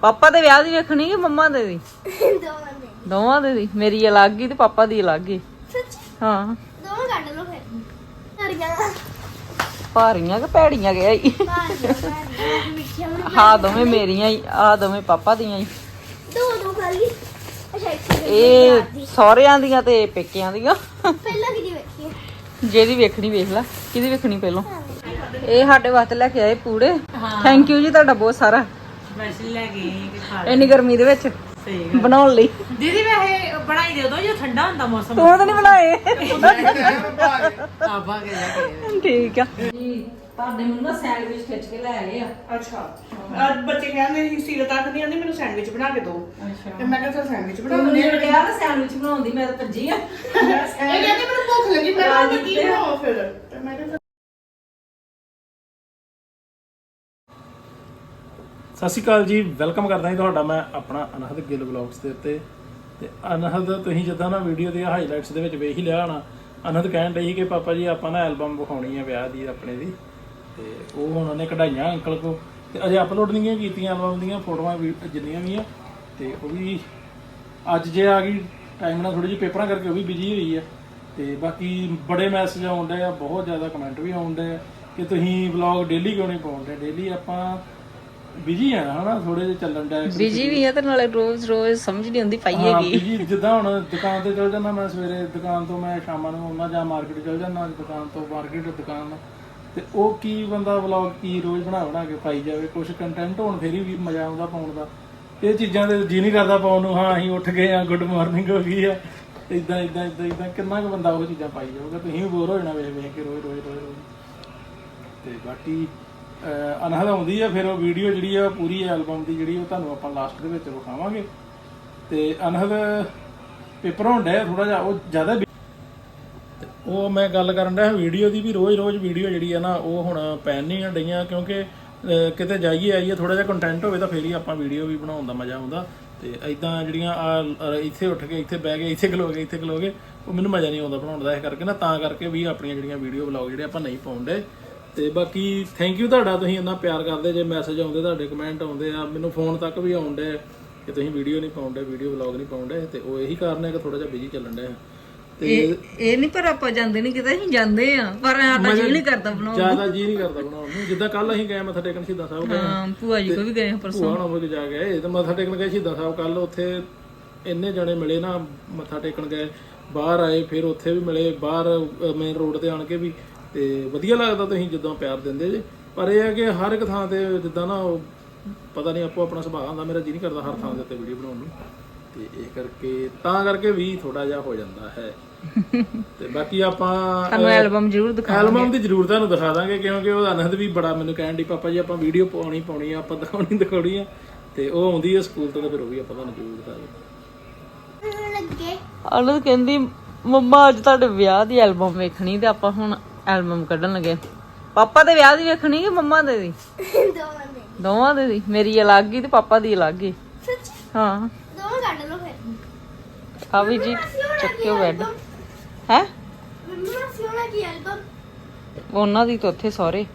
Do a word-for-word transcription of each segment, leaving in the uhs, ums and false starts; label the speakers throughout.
Speaker 1: ਪਾਪਾ ਦੇ ਵਿਆਹ ਦੀ ਵੇਖਣੀ ਕਿ ਮੰਮਾ ਦੇ ਦੀ?
Speaker 2: ਦੋਵਾਂ ਦੇ
Speaker 1: ਦੋਵਾਂ ਦੇ ਦੀ। ਮੇਰੀ ਅਲੱਗ ਹੀ ਤੇ ਪਾਪਾ ਦੀ ਅਲੱਗ ਹੀ।
Speaker 2: ਸੱਚੀ
Speaker 1: ਹਾਂ
Speaker 2: ਦੋਵਾਂ ਕੱਢ ਲਓ ਫਿਰ ਸਾਰੀਆਂ
Speaker 1: ਭਾਰੀਆਂ ਕਿ ਭੈੜੀਆਂ ਗਿਆ ਈ?
Speaker 2: ਭਾਰੀਆਂ ਭਾਰੀਆਂ ਮਿੱਠੀਆਂ ਬਣਾ
Speaker 1: ਹਾਂ ਦੋਵੇਂ ਮੇਰੀਆਂ ਹੀ, ਆ ਦੋਵੇਂ ਪਾਪਾ ਦੀਆਂ ਹੀ।
Speaker 2: ਦੋ ਦੋ ਖਾਲੀ ਅੱਛਾ ਇੱਕ
Speaker 1: ਇਹ ਸਹੁਰਿਆਂ ਦੀਆਂ ਤੇ ਪੇਕਿਆਂ ਦੀਆਂ।
Speaker 2: ਪਹਿਲਾਂ ਕਿਹਦੀ ਵੇਖੀ
Speaker 1: ਜਿਹਦੀ ਵੇਖਣੀ ਵੇਖ ਲੈ। ਕਿਹਦੀ ਵੇਖਣੀ ਪਹਿਲਾਂ? ਇਹ ਸਾਡੇ ਵਾਸਤੇ ਲੈ ਕੇ ਆਏ ਪੂੜੇ। ਥੈਂਕ ਯੂ ਜੀ ਤੁਹਾਡਾ ਬਹੁਤ ਸਾਰਾ।
Speaker 3: ਸਪੈਸ਼ਲ ਲੈ ਗਏ ਕਿ ਖਾ
Speaker 1: ਇੰਨੀ ਗਰਮੀ ਦੇ ਵਿੱਚ
Speaker 3: ਸਹੀ ਗੱਲ
Speaker 1: ਬਣਾਉਣ ਲਈ।
Speaker 3: ਦੀਦੀ ਵੈਸੇ ਬਣਾਈ ਦੇ ਦੋ ਜੇ ਠੰਡਾ ਹੁੰਦਾ ਮੌਸਮ
Speaker 1: ਤੂੰ ਤਾਂ ਨਹੀਂ ਬਣਾਏ।
Speaker 3: ਆਬਾ ਕੇ ਲੈ ਕੇ
Speaker 1: ਠੀਕ ਆ ਜੀ। ਤੁਹਾਡੇ ਮੈਨੂੰ ਨਾ ਸੈਂਡਵਿਚ ਖਿੱਚ ਕੇ ਲੈ ਆਏ ਆ।
Speaker 4: ਅੱਛਾ ਅੱਜ ਬੱਚੇ ਕਹਿੰਦੇ ਸੀ ਸੀਰਤ ਆਖਦੀ ਆਂਦੀ ਮੈਨੂੰ ਸੈਂਡਵਿਚ ਬਣਾ ਕੇ ਦਿਓ ਤੇ ਮੈਂ ਕਿਹਾ ਚਲ ਸੈਂਡਵਿਚ ਬਣਾ
Speaker 1: ਮੈਨੂੰ
Speaker 4: ਦਿੰਦੇ ਆ।
Speaker 1: ਕਿਹਾ ਨਾ ਸੈਂਡਵਿਚ ਬਣਾਉਣ ਦੀ, ਮੈਂ ਤਾਂ ਭੱਜੀ ਆ।
Speaker 4: ਇਹ ਕਹਿੰਦੇ ਮੈਨੂੰ ਭੁੱਖ ਲੱਗੀ ਮੈਂ ਕਿਹਾ ਮੈਂ ਕੀ ਬਣਾਵਾਂ ਫਿਰ ਤੇ ਮੈਂ ਕਿਹਾ
Speaker 5: ਸਤਿ ਸ਼੍ਰੀ ਅਕਾਲ ਜੀ, ਵੈਲਕਮ ਕਰਦਾ ਜੀ ਤੁਹਾਡਾ ਮੈਂ ਆਪਣਾ ਅਨਹਦ ਗਿੱਲ ਵਲੌਗਸ ਦੇ ਉੱਤੇ। ਤੇ ਅਨਹਦ ਤੁਸੀਂ ਜਿੱਦਾਂ ਨਾ ਵੀਡੀਓ ਦੇ ਹਾਈਲਾਈਟਸ ਦੇ ਵਿੱਚ ਵੇਖ ਹੀ ਲਿਆ ਹੋਣਾ, ਅਨਹਦ ਕਹਿਣ ਡਈ ਸੀ ਕਿ ਪਾਪਾ ਜੀ ਆਪਾਂ ਨਾ ਐਲਬਮ ਵਿਖਾਉਣੀ ਹੈ ਵਿਆਹ ਦੀ ਆਪਣੇ ਦੀ, ਤੇ ਉਹ ਹੁਣ ਉਹਨੇ ਕਢਾਈਆਂ ਅੰਕਲ ਕੋ, ਤੇ ਅਜੇ ਅਪਲੋਡ ਨਹੀਂ ਕੀਤੀਆਂ ਐਲਬਮ ਦੀਆਂ ਫੋਟੋਆਂ ਵੀ ਜਿੰਨੀਆਂ ਵੀ ਆ, ਤੇ ਉਹ ਵੀ ਅੱਜ ਜੇ ਆ ਗਈ ਟਾਈਮ ਨਾਲ ਥੋੜੀ ਜਿਹੀ ਪੇਪਰਾਂ ਕਰਕੇ ਉਹ ਵੀ ਬਿਜੀ ਹੋਈ ਆ। ਤੇ ਬਾਕੀ ਬੜੇ ਮੈਸੇਜ ਆਉਣ ਡਏ ਆ, ਬਹੁਤ ਜ਼ਿਆਦਾ ਕਮੈਂਟ ਵੀ ਆਉਣ ਡਏ ਆ ਕਿ ਤੁਸੀਂ ਵਲੌਗ ਡੇਲੀ ਕਿਉਂ ਨਹੀਂ ਪਾਉਂਦੇ। ਡੇਲੀ ਆਪਾਂ ਬਿਜੀ ਆ ਹਨਾ, ਥੋੜੇ ਜਿਹਾ ਚੱਲਣ ਦਾ
Speaker 1: ਬਿਜੀ ਵੀ ਆ ਤੇ ਨਾਲੇ ਰੋਜ਼ ਰੋਜ਼ ਸਮਝ ਨਹੀਂ ਆਉਂਦੀ ਪਾਈਏ ਕੀ।
Speaker 5: ਬਿਜੀ ਜਿੱਦਾਂ ਹੁਣ ਦੁਕਾਨ ਤੇ ਚਲ ਜਾਂਦਾ ਮੈਂ, ਸਵੇਰੇ ਦੁਕਾਨ ਤੋਂ ਮੈਂ ਸ਼ਾਮਾਂ ਨੂੰ ਆਉਣਾ ਜਾਂ ਮਾਰਕੀਟ ਚਲ ਜਾਂਦਾ, ਦੁਕਾਨ ਤੋਂ ਮਾਰਕੀਟ ਦੁਕਾਨ, ਤੇ ਉਹ ਕੀ ਬੰਦਾ ਵਲੌਗ ਕੀ ਰੋਜ਼ ਬਣਾ ਬਣਾ ਕੇ ਪਾਈ ਜਾਵੇ। ਕੁਝ ਕੰਟੈਂਟ ਹੋਣ ਫੇਰ ਵੀ ਮਜ਼ਾ ਆਉਂਦਾ ਪਾਉਣ ਦਾ। ਇਹ ਚੀਜ਼ਾਂ ਤੇ ਜੀ ਨਹੀਂ ਕਰਦਾ ਪਾਉਣ ਨੂੰ। ਹਾਂ ਅਸੀਂ ਉੱਠ ਗਏ ਆ, ਗੁੱਡ ਮਾਰਨਿੰਗ ਹੋ ਗਈ ਆ, ਇਦਾਂ ਇਦਾਂ ਇਦਾਂ ਇਦਾਂ ਕਿੰਨਾ ਕੁ ਬੰਦਾ ਉਹ ਚੀਜ਼ਾਂ ਪਾਈ ਜਾਊਗਾ। ਤੁਸੀਂ ਵੀ ਬੋਰ ਹੋ ਜਾਣਾ ਵੇਖ ਵੇਖ ਕੇ ਰੋਜ਼ ਰੋਜ਼ ਰੋਜ਼ ਰੋਜ਼। ਤੇ ਬਾਕੀ ਅਨਹਦ ਆਉਂਦੀ ਆ ਫਿਰ ਉਹ ਵੀਡੀਓ ਜਿਹੜੀ ਆ ਪੂਰੀ ਐਲਬਮ ਦੀ ਜਿਹੜੀ ਉਹ ਤੁਹਾਨੂੰ ਆਪਾਂ ਲਾਸਟ ਦੇ ਵਿੱਚ ਵਿਖਾਵਾਂਗੇ। ਤੇ ਅਨਹਦ ਪੇਪਰ ਹੋਣ ਡਿਆ ਥੋੜਾ ਜਿਹਾ, ਉਹ ਜ਼ਿਆਦਾ ਤੇ ਉਹ ਮੈਂ ਗੱਲ ਕਰਨ ਡਿਆ ਵੀਡੀਓ ਦੀ ਵੀ ਰੋਜ਼ ਰੋਜ਼ ਵੀਡੀਓ ਜਿਹੜੀ ਆ ਨਾ ਉਹ ਹੁਣ ਪੈਣ ਨਹੀਂ ਡਈਆਂ, ਕਿਉਂਕਿ ਕਿਤੇ ਜਾਈਏ ਆਈਏ ਥੋੜਾ ਜਿਹਾ ਕੰਟੈਂਟ ਹੋਵੇ ਤਾਂ ਫੇਰ ਹੀ ਆਪਾਂ ਵੀਡੀਓ ਵੀ ਬਣਾਉਣ ਦਾ ਮਜ਼ਾ ਆਉਂਦਾ। ਤੇ ਇਦਾਂ ਜਿਹੜੀਆਂ ਆ ਇੱਥੇ ਉੱਠ ਕੇ ਇੱਥੇ ਬਹਿ ਗਏ, ਇੱਥੇ ਖਲੋ ਗਏ, ਇੱਥੇ ਖਲੋ ਗਏ, ਉਹ ਮੈਨੂੰ ਮਜ਼ਾ ਨਹੀਂ ਆਉਂਦਾ ਬਣਾਉਣ ਦਾ। ਇਸ ਕਰਕੇ ਨਾ ਤਾਂ ਕਰਕੇ ਵੀ ਆਪਣੀਆਂ ਜਿਹੜੀਆਂ ਵੀਡੀਓ ਵਲੌਗ ਜਿਹੜੇ ਆਪਾਂ ਨਹੀਂ ਪਾਉਂਦੇ। ਤੇ ਬਾਕੀ ਥੈਂਕ ਯੂ ਤੁਹਾਡਾ, ਤੁਸੀਂ ਇੰਨਾ ਪਿਆਰ ਕਰਦੇ ਜੇ, ਮੈਸੇਜ ਆਉਂਦੇ ਤੁਹਾਡੇ, ਕਮੈਂਟ ਆਉਂਦੇ ਆ, ਮੈਨੂੰ ਫੋਨ ਤੱਕ ਵੀ ਆਉਂਦੇ ਕਿ ਤੁਸੀਂ ਵੀਡੀਓ ਨਹੀਂ ਪਾਉਂਦੇ, ਵੀਡੀਓ ਵਲੌਗ ਨਹੀਂ ਪਾਉਂਦੇ। ਤੇ ਉਹ ਇਹੀ ਕਾਰਨ ਹੈ ਕਿ ਥੋੜਾ ਜਿਹਾ ਬਿਜੀ ਚੱਲਣ ਡਿਆ। ਤੇ
Speaker 1: ਇਹ ਨਹੀਂ ਪਰ ਆਪਾਂ ਜਾਂਦੇ ਨਹੀਂ ਕਿਤੇ, ਅਸੀਂ ਜਾਂਦੇ ਆ ਪਰ ਸਾਡਾ ਜੀ ਨਹੀਂ ਕਰਦਾ ਬਣਾਉਣ ਨੂੰ।
Speaker 5: ਜ਼ਿਆਦਾ ਜੀ ਨਹੀਂ ਕਰਦਾ ਬਣਾਉਣ ਨੂੰ। ਜਿੱਦਾਂ ਕੱਲ ਅਸੀਂ ਗਏ ਮੱਥਾ ਟੇਕਣ ਸ਼ਹੀਦਾਂ ਸਾਹਿਬ ਗਏ,
Speaker 1: ਹਾਂ ਭੂਆ ਜੀ ਕੋ ਵੀ ਗਏ ਪਰਸੋਂ,
Speaker 5: ਭੂਆ ਹੋਣਾ ਕੋਲ ਜਾ ਗਏ ਤੇ ਮੱਥਾ ਟੇਕਣ ਗਏ ਸ਼ਹੀਦਾਂ ਸਾਹਿਬ। ਕੱਲ ਉੱਥੇ ਇੰਨੇ ਜਣੇ ਮਿਲੇ ਨਾ, ਮੱਥਾ ਟੇਕਣ ਗਏ, ਬਾਹਰ ਆਏ, ਫਿਰ ਉੱਥੇ ਵੀ ਮਿਲੇ, ਬਾਹਰ ਮੇਨ ਰੋਡ ਤੇ ਆਣ ਕੇ ਵੀ। ਤੇ ਵਧੀਆ ਲੱਗਦਾ ਤੁਸੀਂ ਜਿੱਦਾਂ ਪਿਆਰ ਦਿੰਦੇ ਜੇ। ਪਰ ਇਹ ਹੈ ਕਿ ਹਰ ਇੱਕ ਥਾਂ ਤੇ ਜਿੱਦਾਂ ਨਾ ਉਹ ਪਤਾ ਨਹੀਂ ਆਪੋ ਆਪਣਾ ਸੁਭਾਅ ਹੁੰਦਾ, ਮੇਰਾ ਜੀ ਨਹੀਂ ਕਰਦਾ ਹਰ ਥਾਂ ਦੇ ਉੱਤੇ ਵੀਡੀਓ ਬਣਾਉਣ ਨੂੰ। ਤੇ ਇਹ ਕਰਕੇ ਤਾਂ ਕਰਕੇ ਵੀ ਥੋੜਾ ਜਿਹਾ ਹੋ ਜਾਂਦਾ ਹੈ। ਤੇ ਬਾਕੀ ਆਪਾਂ
Speaker 1: ਤੁਹਾਨੂੰ ਐਲਬਮ ਜ਼ਰੂਰ ਦਿਖਾ
Speaker 5: ਐਲਬਮ ਦੀ ਜ਼ਰੂਰ ਤੁਹਾਨੂੰ ਦਿਖਾ ਦਾਂਗੇ, ਕਿਉਂਕਿ ਉਹ ਅਨਹਦ ਵੀ ਬੜਾ ਮੈਨੂੰ ਕਹਿਣ ਦੀ ਪਾਪਾ ਜੀ ਆਪਾਂ ਵੀਡੀਓ ਪਾਉਣੀ ਪਾਉਣੀ ਆ, ਆਪਾਂ ਦਿਖਾਉਣੀ ਦਿਖਾਉਣੀ ਆ। ਤੇ ਉਹ ਆਉਂਦੀ ਹੈ ਸਕੂਲ ਤੋਂ, ਤੇ ਫਿਰ ਉਹ ਵੀ ਆਪਾਂ ਤੁਹਾਨੂੰ ਜ਼ਰੂਰ ਦਿਖਾਵਾਂਗੇ।
Speaker 2: ਲੱਗੇ
Speaker 1: ਅਨੰਦ ਕਹਿੰਦੀ ਮੰਮਾ ਅੱਜ ਤੁਹਾਡੇ ਵਿਆਹ ਦੀ ਐਲਬਮ ਵੇਖਣੀ, ਤੇ ਆਪਾਂ ਹੁਣ ਐਲਬਮ ਕੱਢਣ ਲੱਗੇ। ਪਾਪਾ ਦੇ ਵਿਆਹ ਦੀ ਵੇਖਣੀ ਕਿ ਮੰਮਾ ਦੇ ਦੀ?
Speaker 2: ਦੋਵਾਂ ਦੇ
Speaker 1: ਦੋਵਾਂ ਦੇ ਦੀ। ਮੇਰੀ ਅਲੱਗ ਹੀ ਤੇ ਪਾਪਾ ਦੀ ਅਲੱਗ ਹੀ।
Speaker 2: ਸੱਚੀ
Speaker 1: ਹਾਂ
Speaker 2: ਦੋਵਾਂ ਕੱਢ ਲਓ ਫਿਰ
Speaker 1: ਆ ਵੀ ਜੀ ਚੱਕਿਓ ਬੈੱਡ ਹੈ
Speaker 2: ਮੰਮਾ ਸਿਉਣਾ ਕੀ ਐਲਬਮ
Speaker 1: ਉਹਨਾਂ ਦੀ ਤਾਂ ਉੱਥੇ ਸਹੁਰੇ।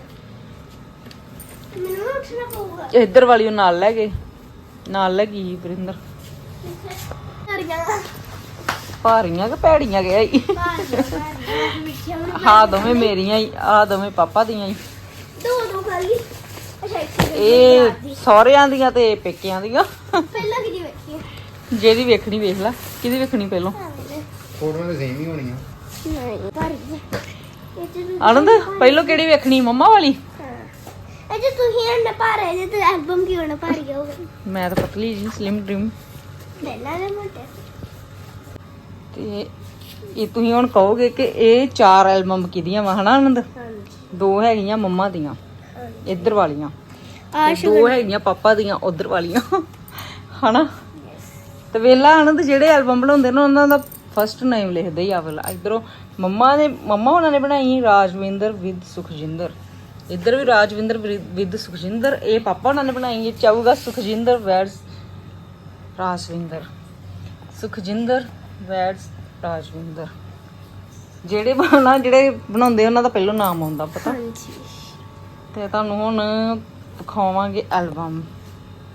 Speaker 2: ਮੈਨੂੰ ਉੱਠਣਾ ਪਊਗਾ
Speaker 1: ਇੱਧਰ ਵਾਲੀ ਉਹ ਨਾਲ ਲੈ ਗਏ, ਨਾਲ ਲੈ ਗਈ ਵਰਿੰਦਰ।
Speaker 2: ਸਾਰੀਆਂ
Speaker 1: ਭਾਰੀਆਂ ਕਿ ਭੈੜੀਆਂ ਗਿਆ ਈ?
Speaker 2: ਭਾਰੀਆਂ ਭਾਰੀਆਂ ਮਿੱਠੀਆਂ ਬਣਾ
Speaker 1: ਹਾਂ ਦੋਵੇਂ ਮੇਰੀਆਂ ਹੀ, ਆ ਦੋਵੇਂ ਪਾਪਾ ਦੀਆਂ ਹੀ।
Speaker 2: ਦੋ ਦੋ ਖਾਲੀ ਅੱਛਾ ਇੱਕ
Speaker 1: ਇਹ ਸਹੁਰਿਆਂ ਦੀਆਂ ਤੇ ਪੇਕਿਆਂ ਦੀਆਂ।
Speaker 2: ਪਹਿਲਾਂ ਕਿਹਦੀ ਵੇਖੀ
Speaker 1: ਜਿਹਦੀ ਵੇਖਣੀ ਵੇਖ ਲੈ। ਕਿਹਦੀ ਵੇਖਣੀ ਪਹਿਲਾਂ?
Speaker 6: ਫੋਟੋਆਂ ਤਾਂ ਸੇਮ ਹੀ ਹੋਣੀਆਂ।
Speaker 2: ਨਹੀਂ ਭਾਰੀ ਇਹ ਤੇ
Speaker 1: ਆਨੰਦ ਪਹਿਲਾਂ ਕਿਹੜੀ ਵੇਖਣੀ, ਮੰਮਾ ਵਾਲੀ?
Speaker 2: ਇਹ ਜੇ ਤੁਸੀਂ ਨਾ ਭਾਰੇ ਜੇ ਤੇ ਐਲਬਮ ਕਿਉਂ ਨਾ ਭਾਰੀ ਹੋਊਗਾ?
Speaker 1: ਮੈਂ ਤਾਂ ਪਤਲੀ ਜੀ, ਸਲਿਮ ਡ੍ਰੀਮ।
Speaker 2: ਪਹਿਲਾਂ ਦੇ ਮੋਟੇ
Speaker 1: ਤੇ ਇਹ ਤੁਸੀਂ ਹੁਣ ਕਹੋਗੇ ਕਿ ਇਹ ਚਾਰ ਐਲਬਮ ਕਿਹਦੀਆਂ ਵਾ, ਹਨਾ ਆਨੰਦ?
Speaker 2: ਹਾਂਜੀ
Speaker 1: ਦੋ ਹੈਗੀਆਂ ਮੰਮਾ ਦੀਆਂ ਇੱਧਰ ਵਾਲੀਆਂ,
Speaker 2: ਆ
Speaker 1: ਤੇ ਦੋ ਹੈਗੀਆਂ ਪਾਪਾ ਦੀਆਂ ਉਧਰ ਵਾਲੀਆਂ, ਹਨਾ? ਤੇ ਵੇਲਾ ਆਨੰਦ ਜਿਹੜੇ ਐਲਬਮ ਬਣਾਉਂਦੇ ਨੇ ਉਹਨਾਂ ਦਾ ਫਸਟ ਨੇਮ ਲਿਖਦੇ ਹੀ ਆ ਵੇਲਾ। ਇਧਰੋਂ ਮੰਮਾ ਨੇ ਮੰਮਾ ਉਹਨਾਂ ਨੇ ਬਣਾਈ ਰਾਜਵਿੰਦਰ ਵਿਦ ਸੁਖਜਿੰਦਰ, ਇੱਧਰ ਵੀ ਰਾਜਵਿੰਦਰ ਵਿਦ ਸੁਖਜਿੰਦਰ। ਇਹ ਪਾਪਾ ਉਹਨਾਂ ਨੇ ਬਣਾਈ ਹੈ ਚਾਹੂਗਾ ਸੁਖਜਿੰਦਰ ਵੈਡਸ ਰਾਜਵਿੰਦਰ, ਸੁਖਜਿੰਦਰ ਵੈਡਸ ਰਾਜਵਿੰਦਰ। ਜਿਹੜੇ ਬਣਾਉਣਾ ਜਿਹੜੇ ਬਣਾਉਂਦੇ ਉਹਨਾਂ ਦਾ ਪਹਿਲਾਂ ਨਾਮ ਆਉਂਦਾ ਪਤਾ।
Speaker 2: ਹਾਂਜੀ
Speaker 1: ਤੇ ਤੁਹਾਨੂੰ ਹੁਣ ਵਿਖਾਵਾਂਗੇ ਐਲਬਮ।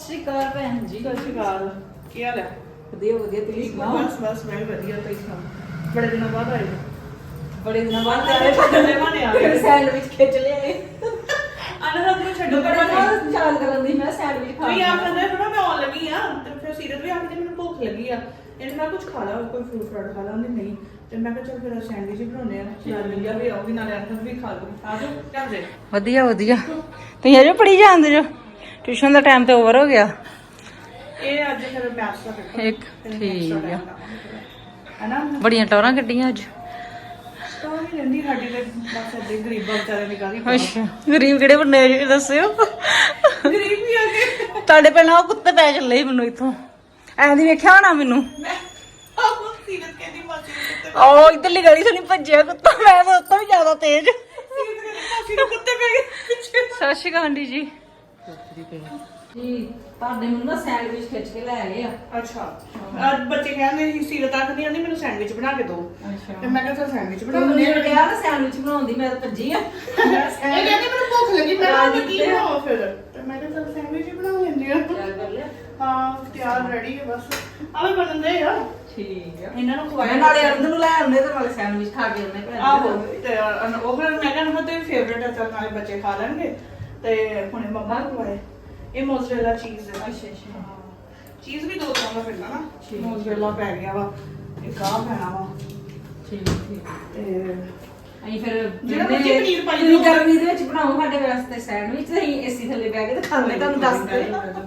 Speaker 1: ਸ਼੍ਰੀ ਅਕਾਲ ਭੈਣ ਜੀ।
Speaker 4: ਸਤਿ ਸ਼੍ਰੀ ਅਕਾਲ। ਕੀ ਹਾਲ ਹੈ?
Speaker 1: ਵਧੀਆ ਵਧੀਆ, ਤੁਸੀਂ ਸੁਣਾਓ?
Speaker 4: ਬਸ ਬਸ ਮੈਂ ਵੀ ਵਧੀਆ। ਤੁਸੀਂ ਸੁਣਾਓ? ਬੜੇ ਦਿਨਾਂ ਬਾਅਦ ਆਏ ਹੋ।
Speaker 1: ਬੜੇ ਦਿਨਾਂ ਬਾਅਦ
Speaker 4: ਤੇਰੇ ਛੱਡਣੇ ਮਾਨੇ ਆ ਗਏ।
Speaker 1: ਸੈਂਡਵਿਚ ਖਿੱਚ ਲਿਆਏ।
Speaker 4: ਅਨਹਦ ਨੂੰ ਛੱਡੋ
Speaker 1: ਬੜੇ
Speaker 4: ਬੜਾ
Speaker 1: ਦਿਨਾਂ ਚਾਲ ਕਰਨ ਦੀ ਮੈਂ ਸੈਂਡਵਿਚ ਖਾ
Speaker 4: ਤੁਸੀਂ ਆਪ ਕਹਿੰਦੇ ਬੜਾ ਮੈਂ ਆਉਣ ਲੱਗੀ ਆ ਤੇ ਫਿਰ ਸੀਰਤ ਵੀ ਆਖਦੀ ਮੈਨੂੰ ਭੁੱਖ ਲੱਗੀ ਆ ਇਹਨੇ ਮੈਂ ਕੁਝ ਖਾ ਲਾ ਕੋਈ ਫਰੂਟ ਫਰਾਟ ਖਾ ਲਾ ਉਹਨੇ ਨਹੀਂ ਤੇ ਮੈਂ ਕਿਹਾ ਚੱਲ ਫਿਰ ਸੈਂਡਵਿਚ ਹੀ ਬਣਾਉਣੇ ਆ ਨਾਲ ਲਿਆ ਵੀ ਆਉਗੀ ਨਾਲੇ ਅਨਹਦ ਵੀ ਖਾ ਲੂ ਆ ਜਾਓ ਜਾਂਦੇ
Speaker 1: ਵਧੀਆ ਵਧੀਆ। ਤੁਸੀਂ ਅਜੇ ਪੜੀ ਜਾਂਦੇ ਜੋ? ਟਿਊਸ਼ਨ ਦਾ ਟਾਈਮ ਤੇ ਓਵਰ ਹੋ ਗਿਆ।
Speaker 4: ਇਹ ਅੱਜ ਫਿਰ ਮੈਥਸ ਦਾ ਪੇਪਰ
Speaker 1: ਇੱਕ ਠੀਕ ਆ।
Speaker 4: ਹੈਨਾ
Speaker 1: ਬੜੀਆਂ ਟੌਰਾਂ ਕੱਢੀਆਂ ਅੱਜ।
Speaker 4: ਤਾਂ ਨਹੀਂ ਰਹਿੰਦੀ ਸਾਡੀ ਤੇ ਬਸ ਅੱਦੇ ਗਰੀਬਾਂ ਵਿਚਾਰਿਆਂ ਦੀ ਕਾਹਦੀ
Speaker 1: ਅੱਛਾ, ਗਰੀਬ ਕਿਹੜੇ ਬੰਦੇ ਆ ਜੀ ਦੱਸਿਓ।
Speaker 4: ਗਰੀਬ ਵੀ ਆ ਗਏ
Speaker 1: ਤੁਹਾਡੇ ਪਹਿਲਾਂ ਉਹ ਕੁੱਤੇ ਪੈ ਚੱਲੇ ਸੀ ਮੈਨੂੰ ਇੱਥੋਂ। ਐਂ ਦੀ ਵੇਖਿਆ ਹੋਣਾ ਮੈਨੂੰ।
Speaker 4: ਆਹ ਸੀਰਤ ਕਹਿੰਦੀ ਮਾਸੀ ਨੂੰ ਕੁੱਤੇ
Speaker 1: ਉਹ ਇਧਰਲੀ ਗਲੀ ਤੋਂ ਨਹੀਂ ਭੱਜਿਆ ਕੁੱਤਾ, ਮੈਂ ਤਾਂ ਉੱਤੋਂ ਵੀ ਜ਼ਿਆਦਾ ਤੇਜ਼।
Speaker 4: ਸੀਰਤ ਕਹਿੰਦੀ ਮਾਸੀ ਨੂੰ ਕੁੱਤੇ ਪੈ ਗਏ ਪਿੱਛੇ
Speaker 1: ਸਤਿ ਸ਼੍ਰੀ ਅਕਾਲ ਆਂਟੀ ਜੀ। ਜੀ ਤੁਹਾਡੇ ਮੈਨੂੰ ਨਾ ਸੈਂਡਵਿਚ ਖਿੱਚ ਕੇ ਲੈ ਆਏ ਆ।
Speaker 4: ਅੱਛਾ ਅੱਜ ਬੱਚੇ ਕਹਿੰਦੇ ਸੀ ਸੀਰਤ ਆਖਦੀ ਆਂਦੀ ਮੈਨੂੰ ਸੈਂਡਵਿਚ ਬਣਾ ਕੇ ਦਿਓ
Speaker 1: ਅੱਛਾ,
Speaker 4: ਤੇ ਮੈਂ ਕਿਹਾ ਚੱਲ ਸੈਂਡਵਿਚ ਬਣਾ
Speaker 1: ਮੈਨੂੰ
Speaker 4: ਦਿੰਦੇ ਆ
Speaker 1: ਕਿਹਾ ਨਾ ਸੈਂਡਵਿਚ ਬਣਾਉਣ ਦੀ, ਮੈਂ ਤਾਂ ਭੱਜੀ ਆ।
Speaker 4: ਇਹ ਕਹਿੰਦੀ ਮੈਨੂੰ ਭੁੱਖ ਲੱਗੀ ਮੈਂ ਕਿਹਾ ਮੈਂ ਕੀ ਬਣਾਵਾਂ ਫਿਰ ਤੇ ਮੈਂ ਕਿਹਾ ਚੱਲ ਸੈਂਡਵਿਚ ਹੀ ਬਣਾ ਲੈਂਦੀ ਆ
Speaker 1: ਤਿਆਰ ਕਰ ਲਿਆ?
Speaker 4: ਹਾਂ ਤਿਆਰ ਰੈਡੀ ਹੈ ਬਸ ਆਵੇ ਬਣਦੇ ਆ
Speaker 1: ਠੀਕ ਆ।
Speaker 4: ਇਹਨਾਂ ਨੂੰ
Speaker 1: ਮੈਂ
Speaker 4: ਖਵਾਇਆ
Speaker 1: ਨਾਲੇ ਅਰਦ ਨੂੰ ਲੈ ਆਉਂਦੇ ਤੇ ਨਾਲੇ ਸੈਂਡਵਿਚ ਖਾ ਕੇ ਆਉਂਦੇ ਭੈਣ।
Speaker 4: ਆਹੋ ਤੇ ਅਨ- ਉਹ ਫਿਰ ਮੈਂ ਕਹਿੰਦਾ ਤੇ ਫੇਵਰੇਟ ਹੈ ਚੱਲ ਨਾਲੇ ਬੱਚੇ ਖਾ ਲੈਣਗੇ ਤੇ ਹੁਣੇ ਮੰਮਾ ਨੂੰ ਖਵਾਏ ਇਹ ਮੋਜ਼ਰੇਲਾ ਚੀਜ਼ ਹੈ।
Speaker 1: ਅੱਛਾ ਅੱਛਾ
Speaker 4: ਚੀਜ਼ ਵੀ ਦੋ ਤਰ੍ਹਾਂ ਦਾ ਪੈਂਦਾ ਨਾ
Speaker 1: ਠੀਕ।
Speaker 4: ਮੋਜ਼ਰੇਲਾ ਪੈ ਗਿਆ ਵਾ ਇੱਕ ਆਹ ਪੈਣਾ ਵਾ
Speaker 1: ਠੀਕ ਠੀਕ।
Speaker 4: ਤੇ
Speaker 1: ਅਸੀਂ ਫਿਰ
Speaker 4: ਜਿਹੜਾ
Speaker 1: ਜਿੰਨੇ-
Speaker 4: ਮਰਜ਼ੀ ਪਨੀਰ ਪਾਈ
Speaker 1: ਤੁਸੀਂ
Speaker 4: ਜਾਓ।
Speaker 1: ਗਰਮੀ ਦੇ ਵਿੱਚ ਬਣਾਓ ਸਾਡੇ ਵਾਸਤੇ ਸੈਂਡਵਿਚ ਤੇ ਅਸੀਂ ਏਸੀ ਥੱਲੇ ਬਹਿ ਕੇ ਤੇ ਖਾਂਦੇ ਤੁਹਾਨੂੰ ਦੱਸਦੇ।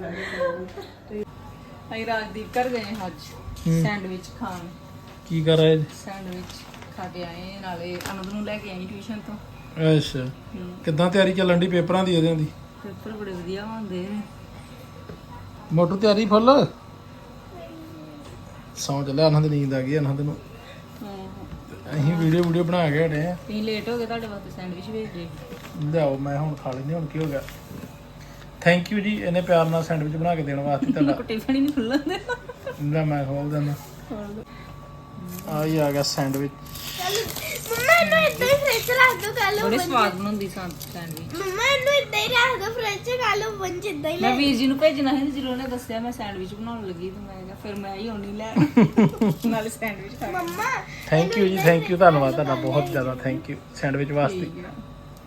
Speaker 1: ਅਸੀਂ ਰਾਜਦੀਪ ਘਰ ਗਏ ਹਾਂ ਅੱਜ ਸੈਂਡਵਿਚ ਖਾਣ।
Speaker 5: ਕੀ ਕਰ ਰਹੇ ਜੀ?
Speaker 1: ਸੈਂਡਵਿਚ ਖਾ ਕੇ ਆਏ, ਨਾਲੇ ਅਨੰਦ ਨੂੰ ਲੈ ਕੇ ਆਈ ਟਿਊਸ਼ਨ ਤੋਂ।
Speaker 5: ਅੱਛਾ, ਕਿੱਦਾਂ ਤਿਆਰੀ ਚੱਲਣ ਦੀ ਪੇਪਰਾਂ ਦੀ ਇਹਦੇ ਦੀ?
Speaker 1: ਪੇਪਰ ਬੜੇ ਵਧੀਆ ਹੁੰਦੇ ਨੇ।
Speaker 5: ਮੋਟੂ ਤਿਆਰੀ ਫੁੱਲ? ਸੌਂ ਚੱਲਿਆ, ਅਨੰਦ ਨੀਂਦ ਆ ਗਈ ਅਨੰਦ ਨੂੰ। ਅਸੀਂ ਵੀਡੀਓ ਵੀਡੀਓ ਬਣਾ ਕੇ ਹਟੇ ਆ।
Speaker 1: ਤੁਸੀਂ ਲੇਟ ਹੋ ਗਏ, ਤੁਹਾਡੇ ਵਾਸਤੇ ਸੈਂਡਵਿਚ ਭੇਜ ਦੇ।
Speaker 5: ਲਿਆਓ, ਮੈਂ ਹੁਣ ਖਾ ਲੈਂਦੀ, ਹੁਣ ਕੀ ਹੋ ਗਿਆ। ਥੈਂਕ ਯੂ ਜੀ ਇਹਨੇ ਪਿਆਰ ਨਾਲ ਸੈਂਡਵਿਚ ਬਣਾ ਕੇ ਦੇਣ ਵਾਸਤੇ ਤੁਹਾਡਾ।
Speaker 1: ਟਿਫਨ ਹੀ ਨਹੀਂ ਖੁੱਲਣ ਦੇ।
Speaker 5: ਲੈ ਮੈਂ ਖੋਲ ਦਿੰਦਾ। ਆ ਹੀ ਆ ਗਿਆ ਸੈਂਡਵਿਚ।
Speaker 2: ਮੰਮਾ ਇਹਨੂੰ ਇੱਦਾਂ ਹੀ ਫ੍ਰਿਜ ਚ ਰੱਖ ਦੋ ਕੱਲ
Speaker 1: ਬੜੇ ਸਵਾਦ ਬਣਾਉਂਦੀ ਸੈਂਡਵਿਚ।
Speaker 2: ਮੰਮਾ ਇਹਨੂੰ ਇੱਦਾਂ ਹੀ ਰੱਖ ਦੋ ਫ੍ਰਿਜ ਚ ਕੱਲ ਬਣ ਜਿੱਦਾਂ ਹੀ
Speaker 1: ਮੈਂ
Speaker 2: ਲੈ
Speaker 1: ਵੀਰ ਜੀ ਨੂੰ ਭੇਜਣਾ ਸੀ, ਜਦੋਂ ਉਹਨੇ ਦੱਸਿਆ ਮੈਂ ਸੈਂਡਵਿਚ ਬਣਾਉਣ ਲੱਗੀ ਤੇ ਮੈਂ ਕਿਹਾ ਫਿਰ ਮੈਂ ਹੀ ਆਉਣੀ ਲੈ ਨਾਲੇ ਸੈਂਡਵਿਚ ਖਾ ਕੇ।
Speaker 2: ਮੰਮਾ
Speaker 5: ਥੈਂਕ ਯੂ ਜੀ, ਥੈਂਕ ਯੂ, ਧੰਨਵਾਦ ਤੁਹਾਡਾ ਬਹੁਤ ਜ਼ਿਆਦਾ, ਥੈਂਕ ਯੂ ਸੈਂਡਵਿਚ ਵਾਸਤੇ।
Speaker 1: ਠੀਕ ਆ।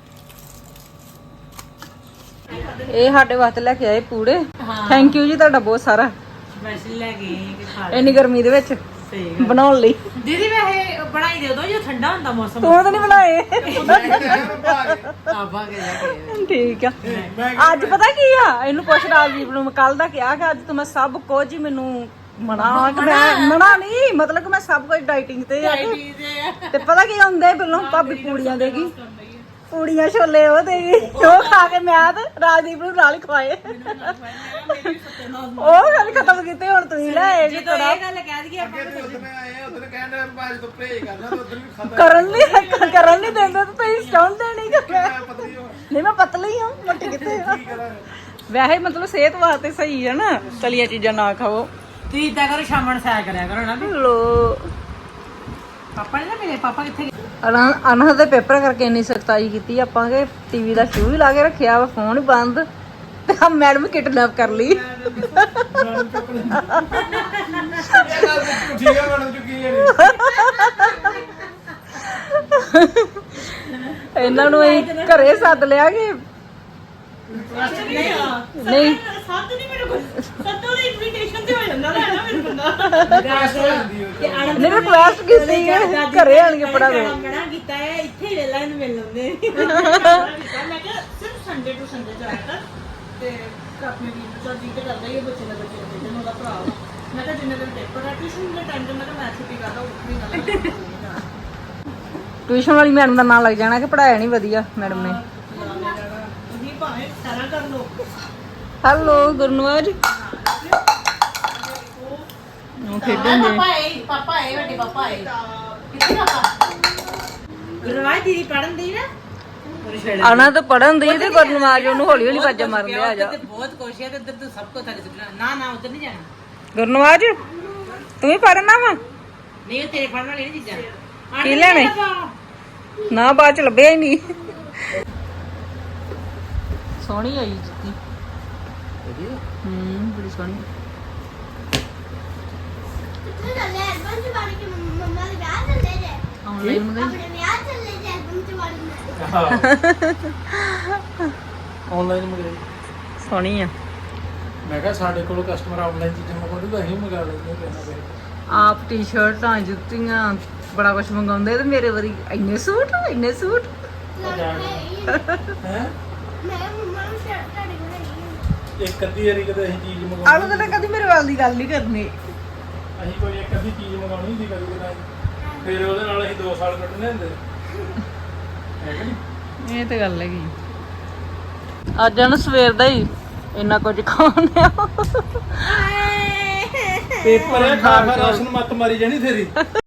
Speaker 1: ਇਹ ਸਾਡੇ ਵਾਸਤੇ ਲੈ ਕੇ ਆਏ ਪੂੜੇ। ਥੈਂਕ ਯੂ ਜੀ ਤੁਹਾਡਾ ਬਹੁਤ ਸਾਰਾ,
Speaker 3: ਸਪੈਸ਼ਲ ਲੈ ਕੇ ਆਏ ਕਿ ਖਾ ਲੈ।
Speaker 1: ਇੰਨੀ ਗਰਮੀ ਦੇ ਵਿੱਚ
Speaker 3: ਸਹੀ ਗੱਲ।
Speaker 1: ਬਣਾਉਣ ਲਈ।
Speaker 3: ਦੀਦੀ ਵੈਸੇ ਬਣਾਈ ਦੇ ਦੋ ਜੋ ਠੰਡਾ ਹੁੰਦਾ ਮੌਸਮ।
Speaker 1: ਤੂੰ ਤਾਂ ਨਹੀਂ ਬਣਾਏ।
Speaker 3: ਆਬਾ ਕੇ ਲੈ ਕੇ ਆਏ।
Speaker 1: ਠੀਕ ਆ। ਅੱਜ ਪਤਾ ਕੀ ਆ, ਇਹਨੂੰ ਪੁੱਛ ਰਾਜਦੀਪ ਨੂੰ, ਮੈਂ ਕੱਲ ਦਾ ਕਿਹਾ ਕਿ ਅੱਜ ਤੋਂ ਮੈਂ ਸਭ ਕੁਝ ਹੀ ਮੈਨੂੰ ਮਨਾ ਕਿ ਮੈਂ ਮਨਾ ਨਹੀਂ, ਮਤਲਬ ਕਿ ਮੈਂ ਸਭ ਕੁਝ ਡਾਈਟਿੰਗ ਤੇ ਆ। ਤੇ ਪਤਾ ਕੀ ਹੁੰਦੇ, ਪਹਿਲਾਂ ਭਾਬੀ ਪੂੜੀਆਂ ਦੇਗੀ, ਪੂੜੀਆਂ ਛੋਲੇ ਉਹ ਦੇਗੀ, ਉਹ ਖਾ ਕੇ ਮੈਂ ਤੇ ਰਾਜਦੀਪ ਨੂੰ ਨਾਲ ਹੀ ਖਵਾਏ। ਉਹ ਗੱਲ ਖਤਮ ਕੀਤੀ, ਹੁਣ ਤੁਸੀਂ ਲੈ ਆਏ ਜੀ
Speaker 3: ਜਦੋਂ
Speaker 1: ਕੜਾ।
Speaker 3: ਇਹ ਗੱਲ ਕਹਿ ਦਈਏ ਆਪਾਂ
Speaker 1: ਕਰਨ ਨਹੀਂ ਕਰਨ ਨਹੀਂ ਦਿੰਦੇ ਤੇ ਤੁਸੀਂ ਚਾਹੁੰਦੇ ਨਹੀਂ ਕਿ ਮੈਂ ਨਹੀਂ, ਮੈਂ ਪਤਲੀ ਹਾਂ, ਮੋਟੀ ਕਿੱਥੇ ਆ। ਵੈਸੇ ਮਤਲਬ ਸਿਹਤ ਵਾਸਤੇ ਸਹੀ ਹੈ ਨਾ, ਤਲੀਆਂ ਚੀਜ਼ਾਂ ਨਾ ਖਾਓ।
Speaker 3: ਤੁਸੀਂ ਇਦਾਂ ਕਰੋ, ਸ਼ਾਮ ਨੂੰ ਸੈਰ ਕਰਿਆ ਕਰੋ ਨਾ।
Speaker 1: ਲੋ
Speaker 3: ਪਾਪਾ ਨੇ ਨਾ ਮਿਲੇ, ਪਾਪਾ ਕਿੱਥੇ ਗਏ?
Speaker 1: ਅਨਹਦ ਦੇ ਪੇਪਰ ਕਰਕੇ ਇੰਨੀ ਸਖਤਾਈ ਕੀਤੀ ਆਪਾਂ ਕਿ ਟੀਵੀ ਦਾ ਸ਼ੂ ਵੀ ਲਾ ਕੇ ਰੱਖਿਆ ਵਾ, ਫੋਨ ਹੀ ਬੰਦ, ਤੇ ਆ ਮੈਡਮ ਕਿਡਨੈਪ ਕਰ ਲਈ। ਇਹਨਾਂ ਨੂੰ ਅਸੀਂ ਘਰੇ ਸੱਦ ਲਿਆ ਕਿ ਨਹੀਂ
Speaker 4: ਸੱਤ ਨਹੀਂ ਮੇਰੇ ਕੋਲ ਸੱਤੋਂ ਦੀ ਇਨਵੀਟੇਸ਼ਨ ਤੇ ਹੋ ਜਾਂਦਾ ਨਾ ਨਾ ਮੇਰੇ ਬੰਦਾ
Speaker 1: ਨਹੀਂ ਰਿਕੁਐਸਟ ਕੀਤੀ ਹੈ ਘਰੇ ਆਣ ਕੇ ਪੜਾ ਦੋ।
Speaker 3: ਮਨਾ ਕੀਤਾ ਹੈ, ਇੱਥੇ ਹੀ ਵੇਲਾ ਇਹਨੂੰ ਮਿਲ ਲੈਂਦੇ।
Speaker 4: ਮੈਂ ਕਿਹਾ ਸਿਰਫ ਸੰਡੇ ਟੂ ਸੰਡੇ ਜਾਇਆ ਕਰ ਤੇ ਆਪਣੇ ਵੀਰ ਨੂੰ ਚਾਹ ਜੀ ਤੇ ਕਰਦਾ ਹੀ ਬੱਚੇ ਦਾ ਬੱਚੇ ਦਾ ਭੇਜਣ ਉਹਦਾ ਭਰਾ ਵਾ। ਮੈਂ ਕਿਹਾ ਜਿੰਨੇ ਦਿਨ ਪੇਪਰ ਆ ਟਿਊਸ਼ਨ ਦੇ ਟਾਈਮ ਤੇ ਮੈਂ ਕਿਹਾ ਮੈਂ ਛੁੱਟੀ ਕਰਦਾ ਉੱਠ ਨਹੀਂ ਕਰਦਾ।
Speaker 1: ਟਿਊਸ਼ਨ ਵਾਲੀ ਮੈਡਮ ਦਾ ਨਾਂ ਲੱਗ ਜਾਣਾ ਕਿ ਪੜਾਇਆ ਨਹੀਂ ਵਧੀਆ ਮੈਡਮ ਨੇ।
Speaker 4: ਤੁਸੀਂ ਭਾਵੇਂ ਸਾਰਾ ਕਰ ਲਓ।
Speaker 1: ਹੈਲੋ ਗੁਰਨਵਾਜ, ਉਹ ਖੇਡਣ ਦੇ।
Speaker 3: ਪਾਪਾ ਆਏ, ਪਾਪਾ ਆਏ, ਵੱਡੇ ਪਾਪਾ ਆਏ। ਕਿੱਥੇ ਪਾਪਾ? ਗੁਰਵਾਜ ਦੀਦੀ ਪੜਨ ਦੀ ਨਾ।
Speaker 1: ਆਣਾ ਤਾਂ ਪੜਨ ਦੀ ਤੇ ਗੁਰਨਵਾਜ ਉਹਨੂੰ ਹੌਲੀ ਹੌਲੀ ਵਾਜਾ ਮਾਰਨ ਆ ਜਾ।
Speaker 3: ਬਹੁਤ ਕੋਸ਼ਿਸ਼ ਹੈ, ਇੱਧਰ ਤੋਂ ਸਭ ਕੁਝ ਥੱਲੇ ਸੁੱਟਣਾ। ਨਾ ਨਾ ਉਧਰ ਨਹੀਂ ਜਾਣਾ।
Speaker 1: ਗੁਰਨਵਾਜ ਤੂੰ ਵੀ ਪੜਨਾ ਵਾ?
Speaker 3: ਨਹੀਂ ਉਹ ਤੇਰੇ ਪੜਨ ਵਾਲੀ ਚੀਜ਼ਾਂ।
Speaker 1: ਕੀ ਲੈਣੇ? ਨਾ ਬਾਅਦ ਚ ਲੱਭਿਆ ਹੀ ਨਹੀਂ। ਸੋਹਣੀ ਆਈ ਜੁੱਤੀ। ਹੂੰ ਬੜੀ ਸੋਹਣੀ
Speaker 2: ਕਿੱਥੇ ਚੱਲੇ ਐਲਬਮ ਚ ਵੜ ਕੇ ਮੰਮ- ਮੰਮਾ ਦੇ ਵਿਆਹ ਚੱਲੇ ਜੇ
Speaker 1: ਆਨਲਾਈਨ ਮੰਗਾਈ
Speaker 2: ਆਪਣੇ ਵਿਆਹ ਚੱਲੇ ਜੇ ਐਲਬਮ ਚ ਵੜਨਾ
Speaker 5: ਆਨਲਾਈਨ ਮੰਗਾਈ
Speaker 1: ਸੋਹਣੀ ਆ
Speaker 5: ਮੈਂ ਕਿਹਾ ਸਾਡੇ ਕੋਲ ਕਸਟਮਰ ਆਨਲਾਈਨ ਚੀਜ਼ਾਂ ਮੰਗਵਾਉਂਦੇ ਤਾਂ ਅਸੀਂ ਮੰਗਾ ਲੈਂਦੇ ਪੈਣਾ ਪਏ
Speaker 1: ਆਪ ਟੀ-ਸ਼ਰਟਾਂ ਜੁੱਤੀਆਂ ਬੜਾ ਕੁਝ ਮੰਗਾਉਂਦੇ ਤੇ ਮੇਰੇ ਵਾਰੀ ਇੰਨੇ ਸੂਟ ਇੰਨੇ ਸੂਟ
Speaker 2: ਲੱਗਦਾ
Speaker 5: ਹੈ
Speaker 2: ਮੈਂ ਮੰਮਾ ਨੂੰ ਸ਼ਰਟ ਤੁਹਾਡੇ ਕੋਲ ਹੈਗੀ ਆ।
Speaker 5: ਇੱਕ ਅੱਧੀ ਵਾਰੀ ਕਦੇ ਅਸੀਂ ਚੀਜ਼
Speaker 1: ਆਲੂ
Speaker 5: ਮੰਗਵਾਉਣੀ
Speaker 1: ਤਾਂ ਕਦੀ ਮੇਰੇ ਵੱਲ ਦੀ ਗੱਲ ਨਹੀਂ ਕਰਨੀ
Speaker 5: ਅਸੀਂ ਕੋਈ ਇੱਕ ਅੱਧੀ ਚੀਜ਼ ਮੰਗਾਉਣੀ ਹੁੰਦੀ ਕਦੀ ਕਦਾਈ ਫਿਰ ਉਹਦੇ ਨਾਲ ਅਸੀਂ ਦੋ ਸਾਲ ਕੱਢਣੇ ਹੁੰਦੇ ਹੈ ਕਿ ਨਹੀਂ
Speaker 1: ਇਹ ਤੇ ਗੱਲ ਹੈਗੀ ਅੱਜ ਨਾ ਸਵੇਰ ਦਾ ਹੀ ਇੰਨਾ ਕੁਝ ਖਾਣਿਆ
Speaker 5: ਪੇਪਰ ਹੈ ਖਾ ਖਾ ਰਸਨ ਮੱਤ ਮਾਰੀ ਜਾਣੀ ਤੇਰੀ